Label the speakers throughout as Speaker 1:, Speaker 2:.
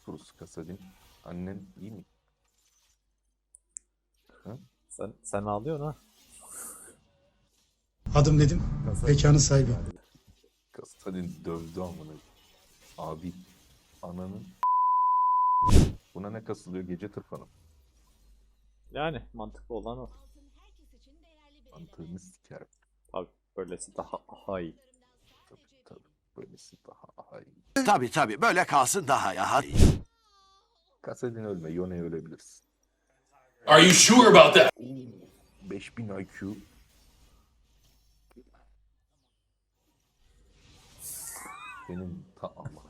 Speaker 1: kurusu Kasadin. Annen iyi mi? Ha?
Speaker 2: Sen ağlıyorsun ha.
Speaker 3: Adım Nedim, mekanın sahibi.
Speaker 1: Kasadin dövdü amına. Abi. Ananın. Buna ne kasılıyor? Gece tırpanı.
Speaker 2: Yani mantıklı olan o.
Speaker 1: Mantığını sikerim.
Speaker 2: Tabii böylesi daha iyi.
Speaker 1: Tabii. Böylesi daha iyi.
Speaker 4: Tabii böyle kalsın daha iyi.
Speaker 1: Kasadin ölme. Yone ölebilirsin.
Speaker 5: Are you sure about that?
Speaker 1: 5000 IQ. Benim ta Allah.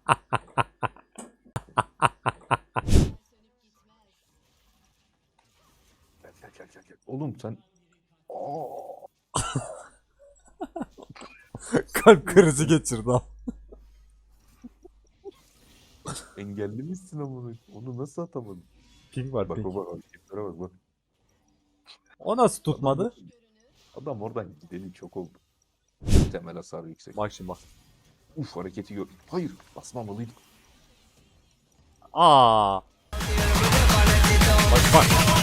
Speaker 1: Gel. Oğlum sen... Aa!
Speaker 2: Kalp krizi geçirdi ha.
Speaker 1: Engelli misin amına? Onu nasıl atamadın?
Speaker 2: Ping var
Speaker 1: Bak
Speaker 2: ping.
Speaker 1: hareketlere bak.
Speaker 2: O nasıl tutmadı?
Speaker 1: Adam oradan gideli çok oldu. Temel hasar yüksek.
Speaker 2: Bak şimdi bak.
Speaker 1: Uf hareketi gör. Hayır basmamalıydık.
Speaker 2: Aa. Bak.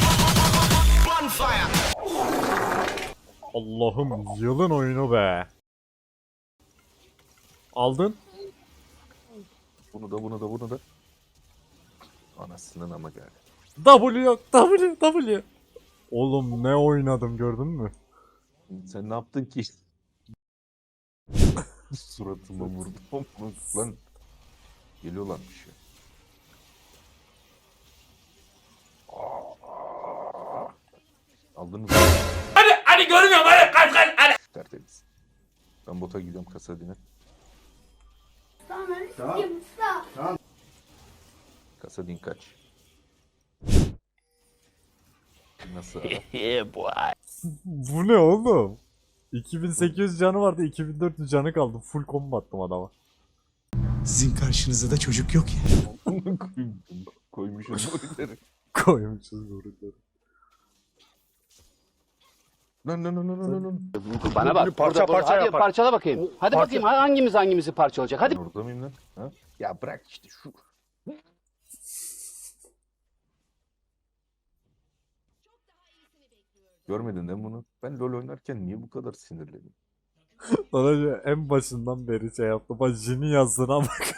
Speaker 2: Allah'ım yılın oyunu be. Aldın.
Speaker 1: Bunu da. Anasının ama geldi.
Speaker 2: W yok. W. Oğlum ne oynadım gördün mü?
Speaker 1: Sen ne yaptın ki? Suratıma vurdum. Lan. Geliyorlarmış ya. Aldınız mı?
Speaker 5: Hadi görmüyorum hadi.
Speaker 1: Tertemiz. Ben bota gidiyorum Kasadin'e.
Speaker 6: Tamam.
Speaker 1: Kasadin kaç. Nasıl?
Speaker 2: Bu ne oğlum? 2800 canı vardı, 2400 canı kaldı. Full combo attım adama.
Speaker 3: Sizin karşınızda da çocuk yok ya.
Speaker 1: Koymuşum boyları.
Speaker 2: Koymuşuz vurukları.
Speaker 1: Lan.
Speaker 7: Bana bak. Hadi parçala bakayım. Hadi bakayım hangimizi parçalayacak. Hadi.
Speaker 1: Orada mıyım lan? Ha? Ya bırak işte şu. Görmedin değil mi bunu? Ben LoL oynarken niye bu kadar sinirliyim?
Speaker 2: Sana en başından beri şey yaptım. Bak Jin'in yazdığına bak.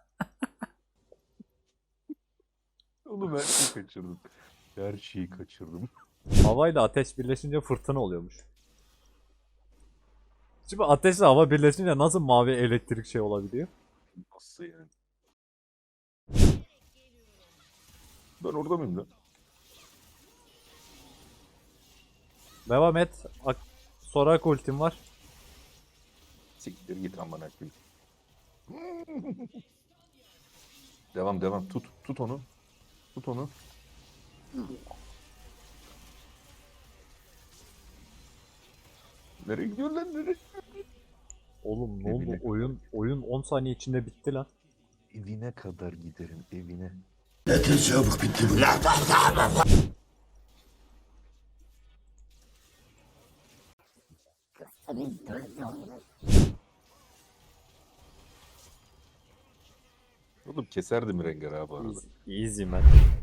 Speaker 1: Oğlum her şeyi kaçırdım. Her şeyi kaçırdım.
Speaker 2: Havayla ateş birleşince fırtına oluyormuş. Şimdi ateşle hava birleşince nasıl mavi elektrik şey olabiliyor?
Speaker 1: Nasıl yani? Ben orada mıyım lan?
Speaker 2: Devam et. Sorak ultim var.
Speaker 1: Siktir git amına koyayım. Devam. Tut onu. Nereye gidiyor lan nereye?
Speaker 2: Oğlum ne oldu?
Speaker 1: Evine
Speaker 2: Oyun 10 saniye içinde bitti lan.
Speaker 1: Evine kadar giderim evine.
Speaker 4: Ne çabuk bitti bu.
Speaker 1: Oğlum keserdim Rengar abi arada.
Speaker 2: Easy man.